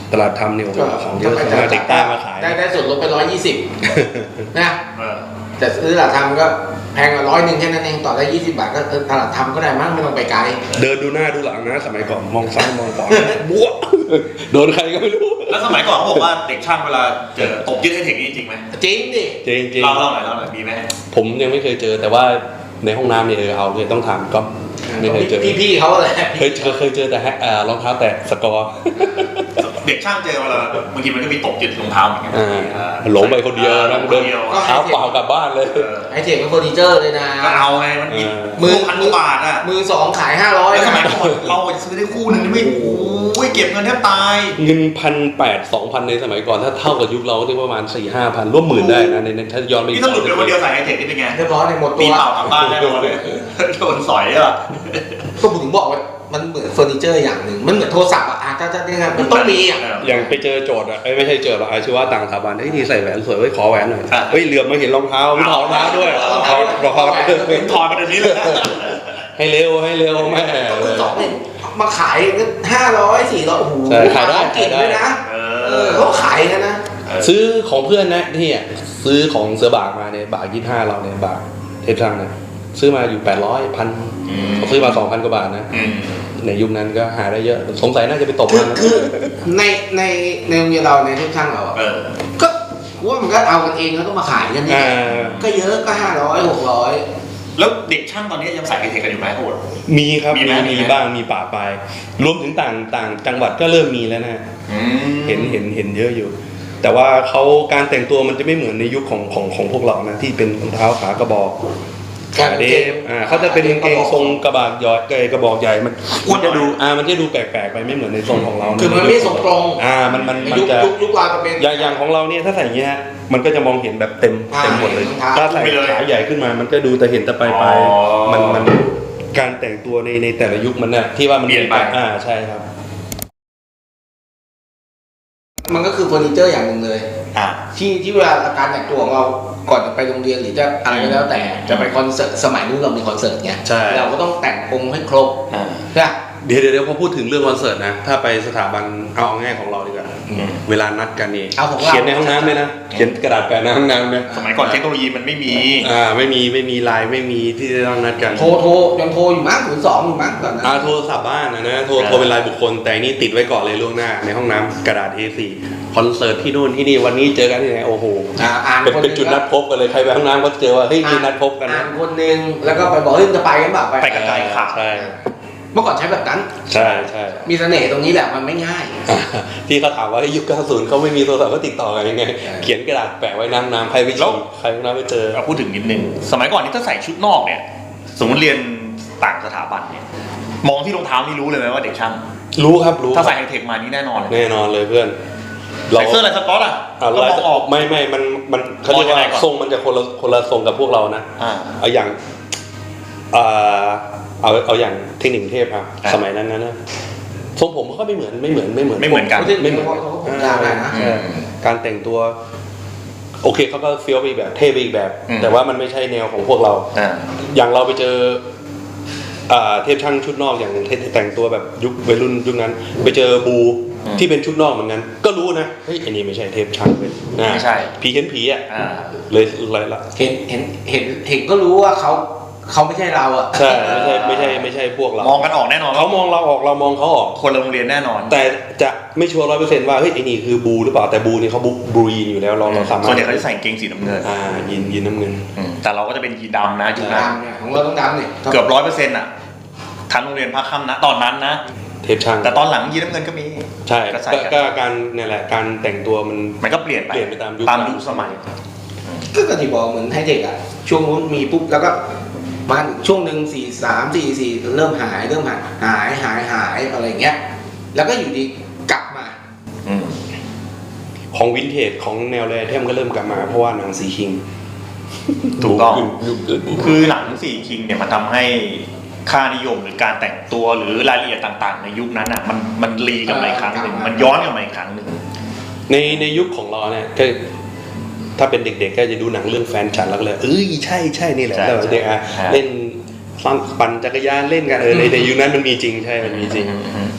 B: ตลาดทำเนี่ยโอ้โหของเยอะสามารถเด็กใต้มาขาย
C: ได้ได้ส่วนลดไปร้อยยี่สิบนะ
A: เออ
C: แต่ซื้อตลาดทำก็แพงกว่าร้อยหนึ่งแค่นั้นเองต่อได้ยี่สิบบาทก็ตลาดทำก็ได้มั้งไม่ต้องไปไกล
B: เดินดูหน้าดูหลังนะสมัยก่อนมองซ้ายมองขวาบวกโดนใครก็ไม่รู้
A: แล้วสมัยก่อนเขาบอกว่าเด็กช่างเวลาเจอตบยึดให้เทคนี่จริงไหม
C: จริงดิ
B: จริงจริง
A: เล่าเล่าหน่อยเล่าหน่อยมีไหม
B: ผมยังไม่เคยเจอแต่ว่าในห้องน้ำเนี่ยเออเอาเลยต้องถามก็ไม่เคยเจอ
C: พี่ๆเขาแหละ
B: เคยเจอเคยเจอแต่เอ่อรองเท้าแตะสกอร์
A: เด็กช่างเจอเวลาบางทีมันก็มีตบยึดรองเท้าเหมือนกัน
B: อ่าหลงไปคนเดียวนั่งเดินเท้าเปล่ากลับบ้านเลย
C: ไอเทคเป็นเฟอร์นิเจอร์เลยนะ
A: ก็เอาไงมันมี
C: มื
A: มื
C: อ
A: อพันกว่าบาทอ่ะ
C: มือสองขายห้าร้อย
A: แล้วสมัยก่อนเราจะซื้อได้คู่หนึงนี่ไม่โอ้ยเก็บเงินแทบตาย
B: เงินพันแปดสองพันในสมัยก่อนถ้าเท่ากับยุคเราก็ที่ประมาณสี่ห้าพันร่วมหมื่นได้นะในถ้าย้อนไป
A: นี่ถ้าหลุดไปคนเดียวใส่ไฮเทคนี่เป็นไง
C: เรียบร้อยในหมดตั
A: ปี
C: ว
A: เปล่ากลับบ้านแน่นอนเลยโดนสอยอ่ะ
C: ก็ผมถึงบอกว่ามันเหมือนเฟอร์นิเจอร์อย่างหนึ่งมันเหมือนโทรศัพท์อ่ะถ้าจะเนี่ยมันต้องมีอ่ะ
B: อย่างไปเจอโจทย์อ่ะไม่ใช่เจอหรอกอาชีวะต่างสถาบันเฮ้ยนี่ใส่แหวนสวยเว้ยขอแหวนหน่อยเฮ้ยเหลือบมาเห็นรองเท้าไม่ถอดรองเท้าด้วยถอดรองเท้า
A: ถอดมาเดี๋ยวนี้เลย
B: ให้เร็วให้เร็วแม่
C: มือสองเนี่ยมาขายห้าร้อยสี่ร้อยโอ้โห
B: ใช่ขายได้
C: เก่งด้วยนะ
A: เอ
C: เอ
A: อ
C: อเขาขายกันนะ
B: ซื้อของเพื่อนนะที่อ่ะซื้อของเสือบากมาเนี่ยบากยี่ห้าเราเนี่ยบากเทปช่างเนี่ยซื้อมาอยู่แปดร้อยพันซื้อมาสองพันกว่าบาทนะ
A: อืม
B: ในยุคนั้นก็หาได้เยอะสงสัยน่าจะไปตก
C: คือ
B: มันนะ
C: คือในในในโรงเรียนเราในทุกช่างเราอะ
A: เออ
C: ก็ว่ามันก็เอากันเองแล้วก็มาขายกันนี่
B: อ่า
C: ก็เยอะก็ห้าร้อยหกร้อย
A: แล้วเด็กช่างตอนนี้ยังใส่ไฮเทคกันอยู่ไหมโหด
B: มีครับ
A: มี
B: มี
A: ไหมมี
B: มี
A: ไหม
B: บ้างมีป่าปลายรวมถึงต่างต่างจังหวัดก็เริ่มมีแล้วนะ
A: อืม
B: เห็นเห็นเห็นเยอะอยู่ แต่ว่าเขาการแต่งตัวมันจะไม่เหมือนในยุคของของของพวกเรานะที่เป็นรองเท้าขากระบอกขาเดฟอ่าเขาจะเป็นกางเกงทรงกระบอกย่อยกระบอกใหญ่มันมันจะดูอ่ามันจะดูแปลกๆไปไม่เหมือนในทรงของเรานะ
C: คือมันไม่ทรงตรง
B: อ่ามันมันมัน
C: ยุค
B: จะ
C: ยุคยุคเราจะเป็น
B: อย่างอย่างของเราเนี่ยถ้าใส่อย่างเงี้ยมันก็จะมองเห็นแบบเต็ม
C: อ่า
B: เต็มหมดเลย
C: เห็นรองเท้า
B: ถ้าใส่ขาใหญ่ขึ้นมามันก็ดูแต่เห็นแต่ปลายปลายมันมันการแต่งตัวในในแต่ละยุคมันน่ะที่ว่ามันอ่าใช่ครับ
C: มันก็คือเฟอร์นิเจอร์อย่างหนึ่งเลย
A: อ่ะ
C: ที่ที่เวลาการแต่งตัวของเราก่อนจะไปโรงเรียนหรือจะอะไรก็แล้วแต่จะไปคอนเสิร์ตสมัยนู้นเรามีคอนเสิร์ตไง
B: ใช่
C: เราก็ต้องแต่งองค์ให้ครบ
A: อ่า
C: ใช่ปะ
B: เดี๋ยวเดี๋ยวเดี๋ยวพอพูดถึงเรื่องคอนเสิร์ตนะถ้าไปสถาบันเอาง่ายของเราดีกว่า
A: อืม
B: เวลานัดกันนี่
C: เอาของเรา
B: เขียนในห้องน้ำเลยนะเขียนกระดาษแปะในห้องน้ำนะ
A: สมัยก่อนเทคโนโลยีมันไม่มี
B: อ่าไม่มีไม่มีไลน์ไม่มีที่จะต้องนัดกัน
C: โทรโทรยังโทรอยู่มั้งศูนย์สองอยู่มั้งตอนนั้น
B: อ่าโทรศัพท์บ้านนะนะโทร
A: ครับ
B: โทรเป็นรายบุคคลแต่อันนี่ติดไว้ก่อนเลยล่วงหน้าในห้องน้ำกระดาษ เอ โฟร์ คอนเสิร์ตที่นู่นที่นี่วันนี้เจอกันที่ไหนโอ้โห
C: อ่าอ่าน
B: เป็น
C: คนห
B: เป็น
C: ง
B: จุดนัดพบกันเลยใครไปห้องน้ำก็เจอว่าเฮ้ยมีนัดพบกัน
C: อ่า
B: นะ
C: นคนหนึ่งแล้วก็ไปบอกเฮ้ยจะไปกันแบบ
A: ไปกับ ไกลขาด
B: ใช่
C: เมื่อก่อนใช้แบบนั้น
B: ใช่ใช่
C: มีเสน่ห์ตรงนี้แหละมันไม่ง่าย
B: อ่าที่เขาถามว่ายุคเก้าสิบเขาไม่มีโทรศัพท์ก็ติดต่อกันยังไง
C: ใช่
B: เขียนกระดาษแปะไว้น้ำน้ำใครไปฉี่ใครห้องน้ำไปเจอ
A: เราพูดถึงนิดนึงสมัยก่อนนี่ถ้าใส่ชุดนอกเนี่ยสมมติเรียนต่างสถาบันเนี่ยมองที่รองเท้านี่รู้เลยไหมว่าเด็กช่าง
B: รู้ครับรู้
A: ถ้าใส่ไฮเทคมานี่แน่นอนเลย
B: แน่นอนเลยเพื่อน
A: ใส่เสื้อลายสก๊อตอ่ะ
B: อ่า
A: ก็มองออก
B: ไม่ไม่มันมันเขาเรียก
A: มองยังไง
B: ว่า
A: ก่อน
B: ทรงมันจะคนละคนละทรงกับพวกเรานะ
A: อ่า
B: เอาอย่างอ่าเอาเอาอย่างเทคนิคเทพอ่ะ
A: อ่ะ
B: สมัยนั้นนะทรงผมเขาก็ไม่เหมือนไม่เหมือนไม่เหมือน
A: ไม่เหมือนกัน
B: ไม่เหมือน
C: เขาก็ผมยาวได้นะ
B: ใช่การแต่งตัว โอเคเขาก็เฟี้ยวไปอีกแบบเท่ไปอีกแบบ
A: อืม
B: แต่ว่ามันไม่ใช่แนวของพวกเรา
A: อ่า
B: อย่างเราไปเจออ่าเทพช่างชุดนอกอย่างแต่งตัวแบบยุควัยรุ่นยุคนั้น ไปเจอบู
A: อืม
B: ที่เป็นชุดนอกเหมือนกันก็รู้นะเฮ้ยอันนี้ไม่ใช่เทพช่างเป็นนะ
A: ไม่ใช่
B: ผีเห็นผีอ่ะ
A: อ่า
B: เลยเลยละ
C: เห็นเห็นเห็นเห็นก็รู้ว่าเขาเขาไม่ใช่เราอ่ะ
B: ใช่ไม่ใช่ไม่ใช่ไม่ใช่พวกเรา
A: มองกันออกแน่นอน
B: เขามองเราออกเรามองเขาออก
A: คนละโรงเรียนแน่นอน
B: แต่จะไม่ชัวร์ร้อยเปอร์เซ็นต์ว่าเฮ้ยไอ้นี่คือบูหรือเปล่าแต่บูนี่เขาบูบูยีนอยู่แล้วเราเราสามารถ
A: ส่วนใหญ่เขาจะใส่กางเกงสีน้ำเงิน
B: อ่ายีนยีนน้ำเงิน
A: อืมแต่เราก็จะเป็นยีนดำนะยุคนั้น
C: ดำเนี่ยของเราต้องดำเนี่ย
A: เกือบร้อยเปอร์เซ็นต์อ่ะทั้งโรงเรียนภาคค่ำนะตอนนั้นนะ
B: เทพช่าง
A: แต่ตอนหลังยีนน้ำเงินก็มี
B: ใช่
A: ก็ใส่
B: ก็
A: กัน
B: ก็การเนี่ยแหละการแต่งตัวมัน
A: มันก็เปลี่ยนไป
B: เปลี่ยนไปตามยุค
A: ตามยุคสมัย
C: ก็กระที่บอกเหมือนไฮเทคอ่ะช่วงนู้นมีปุ๊บแล้วก็มาช่วงหนึ่งสี่สามสี่สี่เริ่มหายเริ่มหายหายหายหายอะไรเงี้ยแล้วก็อยู่ดีกลับมา
A: อืม
B: ของวินเทจของแนวแรเทมก็เริ่มกลับมาเพราะว่าหนังสีคิง
A: ถูกต้อง
B: ยุคเกิดบู
A: คือหนังสี่คิงเนี่ยมันทำให้ค่านิยมหรือการแต่งตัวหรือรายละเอียดต่างๆ ในยุคนั้นอ่ะมันมันรีกลับมาอีกครั้งหนึ่งมันย้อนกลับมาอีกครั้งหนึ่ง
B: ในในยุคของเราเนี่ยก็ถ้าเป็นเด็กๆก็จะดูหนังเรื่องแฟนฉันแล้วก็เลยเอ้ยใช่ใช่นี่แหละ
A: ใช่
B: แล้วเด็กอ่ะ
A: ใช่
B: เล่นฟังปั่นจักรยานเล่นกันเออในในยุคนั้นมันมีจริงใช่มันมีจริง
A: อืม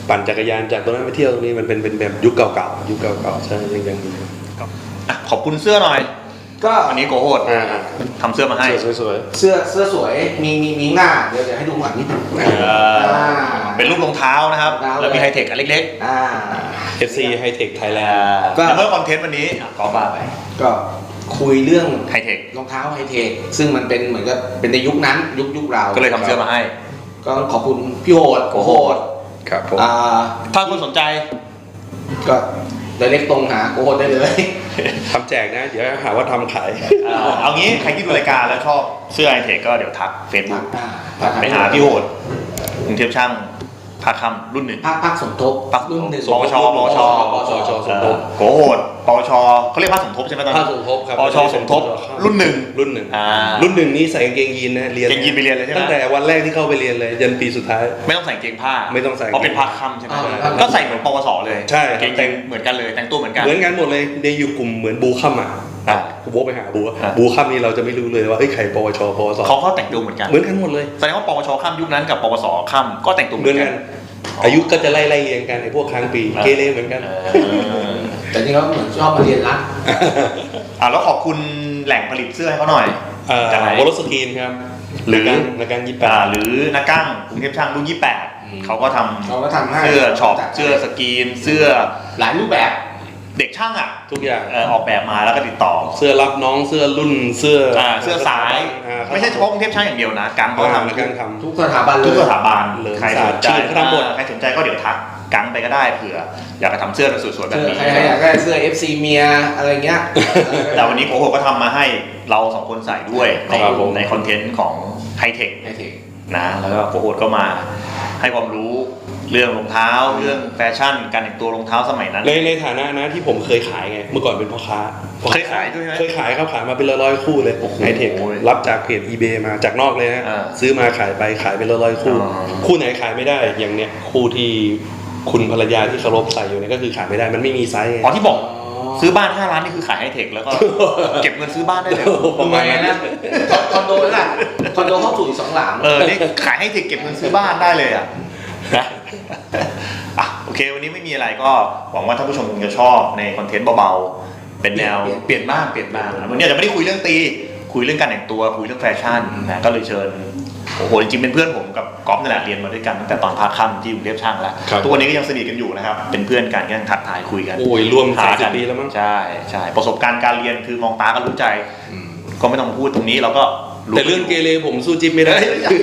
B: ปั่นจักรยานจากตรงนั้นไปเที่ยวตรงนี้มันเป็นเป็นแบบยุคเก่าๆยุคเก่าๆใช่ยังยังมี
A: อ่ะขอบคุณเสื้อหน่อย
C: ก็
A: วันนี้โกโหด
B: อ่า
A: ทำเสื้อมาให้
B: สวย
C: เสื้อเสื้อสวยมีมีมีหน้าเดี๋ยวจะให้ดูหลังนิดนึง
A: เออเป็นรูปรองเท้านะครับ
C: รองเท้า
A: แล้วมีไฮเทคอันเล็ก
C: อ่า
B: ๆ เอฟ ซี High Tech
A: ๆ
B: Thailand
C: ก็
A: แต่เมื่อคอนเทนต์วันนี้อ่ะก็ว่าไป
C: ก็คุยเรื่อง
A: ไฮเทค
C: รองเท้าไฮเทคซึ่งมันเป็นเหมือนกับเป็นในยุคนั้นยุคยุคเรา
A: ก็เลยทำเสื้อมาให้
C: ก็ขอบคุณพี่โหด
A: โกโหด
B: ครับผม
C: อ่า
A: ถ้าคนสนใจ
C: ก็เดเล็กตรงหาโกโหดได้เลย
B: ทำแจกนะ เดี๋ยวหาว่าทำขาย
A: อ่าเอางี้ใครที่ดูรายการแล้วชอบเสื้อไฮเทคก็เดี๋ยวทักเฟซบุ๊ก
C: อ่า
A: ไปหาพี่โหดกรุงเทพช่างภาคค่ำรุ่นหนึ่ง
C: ภาคภาคสมทบ
A: ภาค
C: รุ่นหนึ่ง
A: ปวชปวช
C: ปวช
B: สมทบ
A: โกโหดปวชเขาเรียกภาคสมทบใช่ไหมตอน
B: ภา
A: นี้
B: คสมทบครับ
A: ปวชสมทบรุ่นหนึ่ง
B: รุ่นหนึ่ง
A: อ่า
B: รุ่นหนึ่งนี้ใส่กางเกงยีนนะเรียน
A: เกงยีนไปเรียนเลยใช่ไหม
B: ตั้งแต่วันแรกที่เข้าไปเรียนเลยยันปีสุดท้าย
A: ไม่ต้องใส่เกงผ้า
B: ไม่ต้องใส่
A: เพราะเป็นภาคค่ำใช่ไหม
C: อ่า
A: ก็ใส่เหมือนปวสเลย
B: ใช่
A: เกงยีนเหมือนกันเลยแต่งตัวเหมือนกัน
B: เหมือนกันหมดเลยในอยู่กลุ่มเหมือนบูคัมอ่ะ
A: อ่า
B: กูโบกไปหาบูอะ
A: อ่ะ
B: บูคัมนี่เราจะไม่รู้เลยว่าเอ้ยใครปวชปวส
A: เขาเขาแต่งตัวเหมือนกัน
B: เหมือนกันหมดเลย
A: แสดงว่าปวชค่ำยุคนั้นกับปวสค่ำก็แต่งตัวเห
B: เห
A: มื
B: มื
A: อ
B: อน น
A: กั
B: กัน น อายุก็จะไล่ไล่เรียงกันไอ้พวกค้างปี
A: อ่า
B: เกเรเหมือนกัน
A: เออ
C: แต่นี่เขาเหมือนชอบมาเรียนรัก
A: อ่าแล้วขอบคุณแหล่งผลิตเสื้อให้เขาหน่อย
B: เอ่อ
A: จากไหน
B: โบลสกรีนครับ
A: หรือ
B: นักการยี่แป
A: อ่า
B: ด
A: หรือนักกั้งกรุงเทพช่างรุ่นยี่สิบแปด
B: อืม
A: เขาก็ทำ
C: เขาก็ทำให้
A: เสื้อช็อป
C: จัดให้
A: เสื้อสกรีน เสื้อ
C: หลายรูปแบบ
A: เด็กช่างอ่ะ
B: ทุกอย่าง
A: เอ่อออกแบบมาแล้วก็ติดต่อ
B: เสื้อรับน้องเสื้อรุ่นเสื้อ
A: อ่าเสื้อสาย
B: อ่า
A: ไม่ใช่เฉพาะกรุงเทพช่างอย่างเดียวนะกังเขา
B: อ่า
A: ทำ
B: นักการทำ
C: ทุกสถาบันเลย
A: ทุกสถาบัน
B: เลย
A: ใครสนใจ
B: ชื่อเขาทำหมด
A: ใครสนใจก็เดี๋ยวทักกังไปก็ได้เผื่ออยากจะทำเสื้อสวยๆแบบ
C: เสื้อ
A: นี้
C: ใครๆอยากได้เสื้อ เอฟ ซี เมียอะไรเงี้ย
A: แต่วันนี้โกโหก็ทำมาให้เราสองคนใส่ด้วยใน
B: ครับผม
A: ในคอนเทนต์ของไฮเทค
C: ไฮเทค
A: นะแล้วก็โกโหก็มาให้ความรู้เรื่องรองเท้าเรื่องแฟชั่นการแต่งตัวรองเท้าสมัยนั้น
B: ในในฐานะนะที่ผมเคยขายไงเมื่อก่อนเป็นพ่อค้า
A: เคยขายด้วยไหม
B: เคยขายครับขายมาเป็นร้อยๆคู่เลย
A: โอ้โห
B: ไฮเทครับจากเพจ eBay มาจากนอกเลยนะ
A: อ่า
B: ซื้อมาขายไปขายเป็นร้อยๆคู่
A: อ๋อ
B: คู่ไหนขายไม่ได้อย่างเนี้ยคู่ที่คุณภรรยาที่เคารพใส่อยู่เนี่ยก็คือขายไม่ได้มันไม่มีไซส์ไง
A: อ๋อที่บอกซื้อบ้านห้าล้านนี่คือขายไฮเทคแล้วก็ เก็บเงินซื้อบ้านได้เลย
B: ประมาณนั้น
C: นะคอนโดนั่นแหละคอนโดห้องสูงอีกสองหลัง
A: เออนี่ขายไฮเทคเก็บเงินซื้อบ้านได้เลยอ่ะนะอ่ะโอเควันนี้ไม่มีอะไรก็หวังว่าท่านผู้ชมคงจะชอบในคอนเทนต์เบาๆเป็นแนวเปลี่ยนบ้างเปลี่ยนบ้างวันนี้อาจจะไม่ได้คุยเรื่องตีคุยเรื่องการแต่งตัวคุยเรื่องแฟชั่นนะก็เลยเชิญโอ้โหจริงๆเป็นเพื่อนผมกับก๊อฟนี่แหละเรียนมาด้วยกันตั้งแต่ตอนภาคค่ำที่กรุงเทพช่างแล้ว
B: ครับ
A: ทุกวันนี้ก็ยังสนิทกันอยู่นะครับเป็นเพื่อนกันก็ยังทักทายคุยกัน
B: โอ้ยรวม
A: หา
B: สามสิ
A: กับ น
B: ปีแล้วมั้ง
A: ใช่ใช่ประสบการณ์การเรียนคือมองตาก็รู้ใจ ก็ไม่ต้องมาพูดตรงนี้เราก็
B: แต่เรื่องเกเรผมสู้จิ๊บไม่ได้
A: เฮ้ย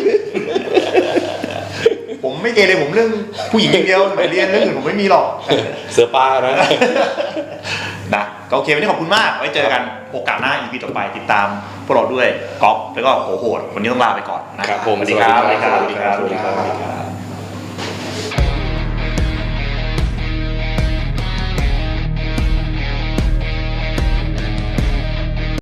A: ผมไม่เกเรผมเรื่องผู้หญิงอย่างเดียวสมัยเรียนเรื่องอื่นผมไม่มีหรอก
B: เสือป้านะ
A: นะก็โอเควันนี้ขอบคุณมากไว้เจอกันโอกาสหน้า อี พี ต่อไปติดตามพวกเราด้วยก๊อฟแล้วก็โหโหดวันนี้ต้องลาไปก่อนนะครับ
B: ผม
A: สวัสดีครับ
B: สวัสดีครับ
A: สวัสดีครับสวัสดีครับ